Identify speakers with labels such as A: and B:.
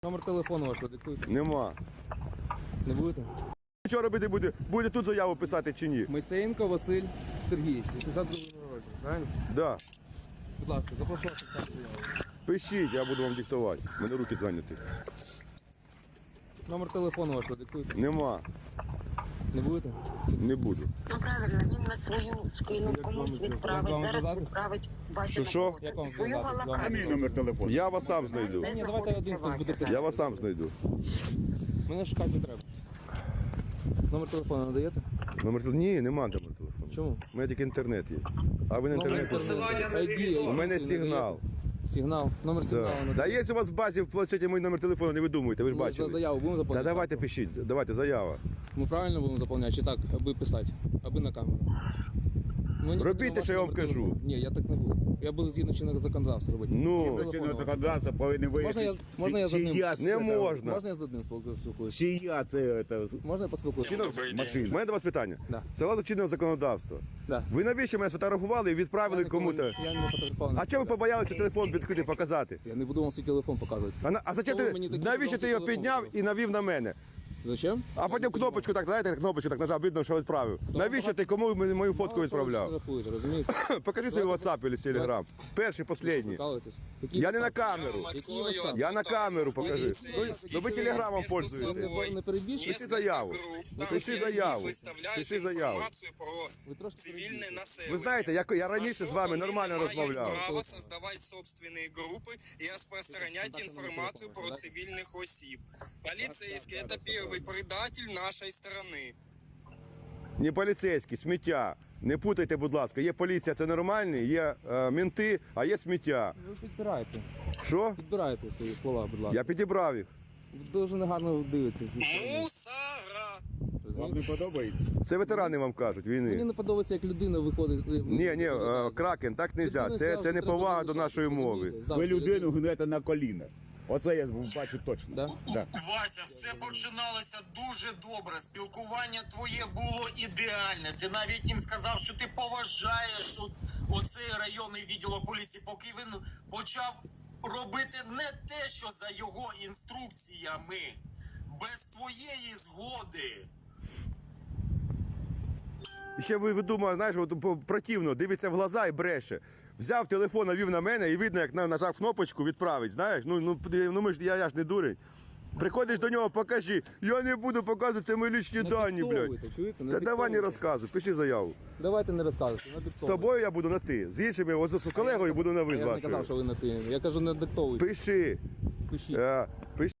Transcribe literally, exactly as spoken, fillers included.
A: Номер телефону ваш продиктуйте.
B: Нема.
A: Не будете?
B: Що робити буде? Буде тут заяву писати чи ні?
A: Мойсеєнко Василь Сергійович, вісімдесят другий року, правильно?
B: Да.
A: Будь ласка, запрошую вас на заяву.
B: Пишіть, я буду вам диктувати. У мене руки зайняті.
A: Номер телефону ваш продиктуйте.
B: Нема.
A: Не будете?
B: Не буду.
C: Ну правильно, він на свою спину комусь відправить, зараз відправить Вася
B: Що,
C: на
B: що?
C: роботу.
A: Як вам
C: Свою
A: зв'язатися? З вами?
C: галакацію.
D: Номер телефону.
B: Я вас сам знайду.
C: Де
A: Ні, давайте один хтось буде
C: знаходиться
A: писати.
B: Я вас сам знайду.
A: Мене шукати не треба. Номер телефону надаєте?
B: Номер телефону? Ні, нема номер телефону.
A: Чому?
B: У мене тільки інтернет є. А ви на інтернеті?
A: Ай ді,
B: У мене сигнал.
A: Сигнал. Номер
B: Да.
A: сигналу
B: Да
A: надаєте.
B: є у вас в базі в планшеті мій номер телефону, не видумуйте, ви ж
A: За
B: бачили.
A: заяву будемо
B: Та
A: заповняти?
B: давайте пишіть, давайте заява.
A: Ми правильно будемо заповняти, чи так, аби писати, аби на камеру? Мені
B: Робіть
A: потрібен
B: те,
A: ваш
B: що я вам
A: номер
B: кажу.
A: телефону. Ні, я так не буду. Я буду згідно чинного законодавства робити.
B: Ну.
A: Згідно
D: Чинного
A: телефону.
D: законодавства повинен
A: Можна я-
D: вияснити,
A: можна я з одним?
D: чия
B: Не
D: це-
B: можна.
A: Можна я з одним спілкуюся?
D: Чия це, це
A: Можна я поспілкуюся?
B: У
D: машина?
B: мене до вас питання.
A: Да.
B: Це чинного законодавства.
A: Да.
B: Ви навіщо мене сфотографували і відправили
A: Я ніколи-
B: кому-то?
A: Я не фотографував.
B: А чого ви побоялися телефон відкрити, показати?
A: Я не буду вам свій телефон показувати.
B: А, на- а зачем
A: Чому
B: ти,
A: мені такі
B: навіщо ти
A: відомості
B: його
A: телефону
B: підняв
A: показали?
B: і навів на мене?
A: Зачем?
B: А потім кнопочку так, знаєте, кнопочку так нажав, видно, що відправив. Навіщо ти кому мені мою фотку відправляв?
A: Фотографуєте, розумієте?
B: Покажи свій WhatsApp або Telegram. Перший, останній.
A: Прикалуєтесь? Який
B: Я не на
A: WhatsApp?
B: камеру.
A: Який WhatsApp?
B: Я на камеру покажи. Ну ви телеграмом
A: Ви
B: пользуєтесь.
A: не- не перебільшуєте?
B: Пиши заяву. Пиши заяву. Пиши заяву.
A: Ви трошки
E: Цивільне
A: перебільшуєте.
E: населення.
B: Ви знаєте, я, я раніше з вами
E: Вони
B: нормально
E: не мають
B: розмовляв.
E: право создавати собственні групи і розпространяти інформацію про цивільних осіб. Поліцейський – це перший предатель нашої сторони.
B: Не поліцейські, сміття. Не путайте, будь ласка. Є поліція, це нормальні, є е, мінти, а є сміття.
A: Ви підбираєте.
B: Що?
A: Підбираєте свої слова, будь ласка.
B: Я підібрав їх.
A: Ви дуже негарно дивитесь.
E: Мусора!
D: Вам не подобається?
B: Це ветерани вам кажуть,
A: Мені
B: війни.
A: не подобається, як людина виходить.
B: Ні, ні, е, кракен, так не можна. Це, це не повага до нашої мови.
D: Ви людину гнете на коліна. Оце я бачу точно.
A: Да?
D: Да.
F: Вася, все починалося дуже добре. Спілкування твоє було ідеальне. Ти навіть їм сказав, що ти поважаєш от- оцей районний відділок поліції, поки він почав робити не те, що за його інструкціями, без твоєї згоди.
B: І ще ви, ви думаєте, знаєш, от, по- противно, дивиться в глаза і бреше. Взяв телефон, навів на мене і видно, як на- нажав кнопочку відправить. Знаєш, ну, ну, ну ми ж, я, я ж не дурень. Приходиш до нього, покажи. Я не буду показувати, це мої лічні
A: Не
B: дані, блядь.
A: диктовуйте, чуєте? Не
B: Та давай не
A: диктовуйте.
B: розказуй, пиши заяву.
A: Давайте не розказуйте, не
B: З
A: диктовуйте.
B: тобою я буду на ти, з іншими, ось з колегою буду на ви
A: Я
B: з
A: ж не казав,
B: вашою.
A: що ви на ти. Я кажу, не диктовуйте.
B: Пиши.
A: Пишіть.
B: Е, пиши.